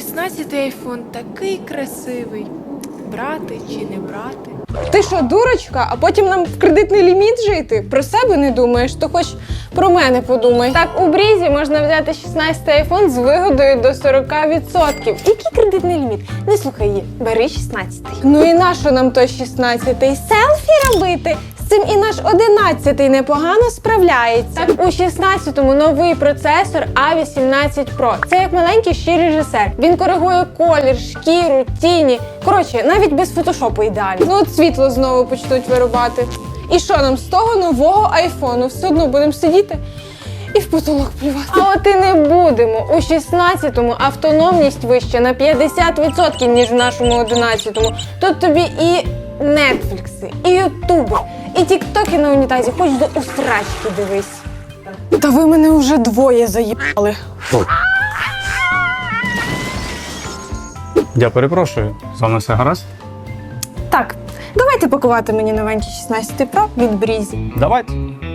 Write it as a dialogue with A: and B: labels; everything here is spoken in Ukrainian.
A: 16-й айфон такий красивий. Брати чи не брати?
B: Ти що, дурочка? А потім нам в кредитний ліміт жити? Про себе не думаєш, то хоч про мене подумай. Так, у Брізі можна взяти 16-й айфон з вигодою до 40%. Який кредитний ліміт? Не слухай її, бери 16-й. Ну і нащо нам той 16-й? Селфі робити? З цим і наш 11-й непогано справляється. Так, у 16-му новий процесор A18 Pro. Це як маленький ще режисер. Він коригує колір, шкіру, тіні. Коротше, навіть без фотошопу ідеально. Ну от світло знову почнуть вирубати. І що нам з того нового айфону? Все одно будемо сидіти і в потолок плювати. А от і не будемо. У 16-му автономність вища на 50%, ніж в нашому 11-му. Тут тобі і нетфлікси, і ютуби, і тіктоки на унітазі, хоч до усрачки дивись. Та ви мене вже двоє заїбали.
C: Я перепрошую, з вами все гаразд?
B: Так, давайте пакувати мені новенький 16 Pro від Брізі.
C: Давайте.